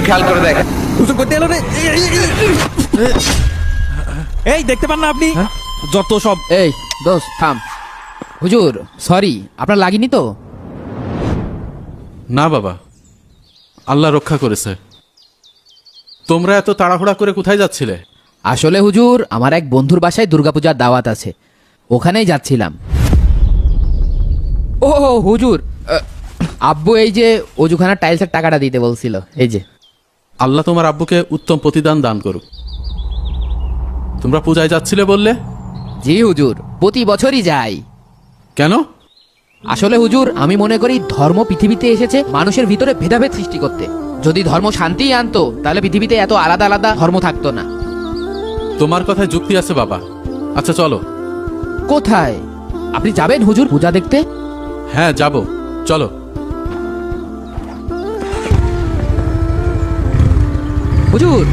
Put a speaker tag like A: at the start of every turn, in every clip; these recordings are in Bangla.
A: খেয়াল করে দেখ।
B: হুজুর করতে এলো রে। এই দেখতে পান না আপনি? যত সব।
C: এই দোস্ত থাম। হুজুর সরি, আপনার লাগেনি তো?
D: না বাবা, আল্লাহ রক্ষা করেছে। তোমরা এত তাড়াহুড়া করে কোথায় যাচ্ছিলে?
C: আসলে হুজুর, আমার এক বন্ধুর বাসায় দুর্গাপূজার দাওয়াত আছে, ওখানেই যাচ্ছিলাম। ও হুজুর, আব্বু এই যে অজুখানার টাইলসের টাকাটা দিতে বলছিল, এই যে।
D: আল্লাহ তোমার আব্বুকে উত্তম প্রতিদান দান করুক। তোমরা পূজায় যাচ্ছিলে বললে?
C: জি হুজুর, প্রতি বছরই যাই।
D: কেন?
C: আসলে হুজুর, আমি মনে করি ধর্ম পৃথিবীতে এসেছে মানুষের ভিতরে ভেদাভেদ সৃষ্টি করতে। যদি ধর্ম শান্তিই আনতো তাহলে পৃথিবীতে এত আলাদা আলাদা ধর্ম থাকতো না।
D: তোমার কথায় যুক্তি আছে বাবা। আচ্ছা চলো।
C: কোথায়? আপনি যাবেন হুজুর পূজা দেখতে?
D: হ্যাঁ যাব, চলো।
C: হুজুর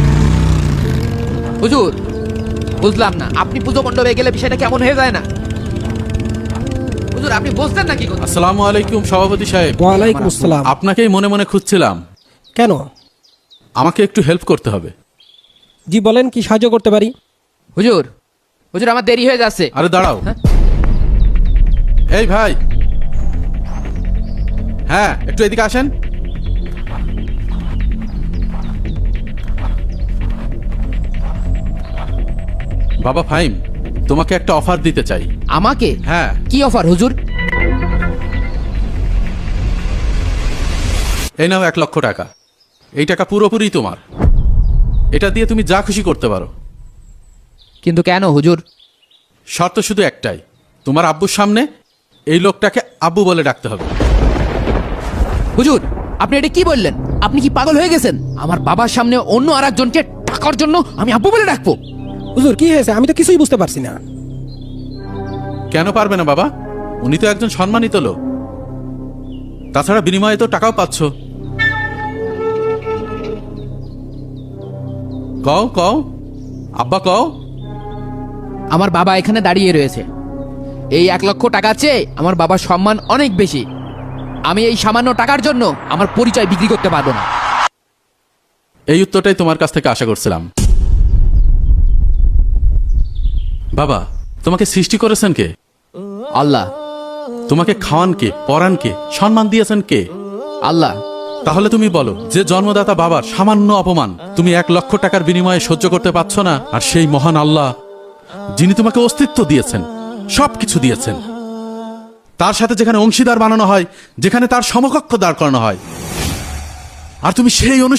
C: হুজুর, বুঝলাম না, আপনি পুজো মণ্ডপে গেলে বিষয়টা কেমন হয়ে যায় না? হুজুর আপনি বুঝতেন না কি কথা?
D: আসসালামু আলাইকুম সভাপতি সাহেব।
E: ওয়ালাইকুম আসসালাম।
D: আপনাকেই মনে মনে খুঁজছিলাম।
E: কেন?
D: আমাকে একটু হেল্প করতে হবে।
E: জি বলেন, কি সাহায্য করতে পারি?
C: হুজুর হুজুর, আমার দেরি হয়ে যাচ্ছে।
D: আরে দাঁড়াও।
C: হ্যাঁ?
D: এই ভাই, হ্যাঁ একটু এদিকে আসেন। বাবা ফাহিম, তোমাকে একটা অফার দিতে চাই।
C: আমাকে?
D: হ্যাঁ।
C: কি অফার হুজুর?
D: এই নাও 1 লক্ষ টাকা। এই টাকা পুরোপুরি তোমার। এটা দিয়ে তুমি যা খুশি করতে পারো।
C: কিন্তু কেন হুজুর?
D: শর্ত শুধু একটাই, তোমার আব্বুর সামনে এই লোকটাকে আব্বু বলে ডাকতে হবে।
C: হুজুর আপনি এটা কি বললেন? আপনি কি পাগল হয়ে গেছেন? আমার বাবার সামনে অন্য আরেকজনকে টাকার জন্য আমি আব্বু বলে ডাকবো?
E: হুজুর কি হয়েছে? আমি তো কিছুই বুঝতে পারছি না।
D: কেন পারবে না বাবা? উনি তো একজন সম্মানিত লোক। তাছাড়া বিনিময়ে তো টাকাও পাচ্ছ। কও কও, আব্বা কও।
C: আমার বাবা এখানে দাঁড়িয়ে রয়েছে। এই 1 লক্ষ টাকার চেয়ে আমার বাবার সম্মান অনেক বেশি। আমি এই সামান্য টাকার জন্য আমার পরিচয় বিক্রি করতে পারবো না।
D: এই উত্তরটাই তোমার কাছ থেকে আশা করছিলাম। বাবা, তোমাকে সৃষ্টি করেছেন কে?
C: আল্লাহ।
D: তোমাকে খাওয়ান কে, পরান কে, সম্মান দিয়েছেন কে?
C: আল্লাহ।
D: তাহলে তুমি বলো, যে জন্মদাতা বাবার সামান্য অপমান তুমি 1 লক্ষ টাকার বিনিময়ে সহ্য করতে পারছো না, আর সেই মহান আল্লাহ যিনি তোমাকে অস্তিত্ব দিয়েছেন, সবকিছু দিয়েছেন, তার সাথে যেখানে অংশীদার বানানো হয়, যেখানে তার সমকক্ষ দাঁড় করানো হয়, আর তুমি সেই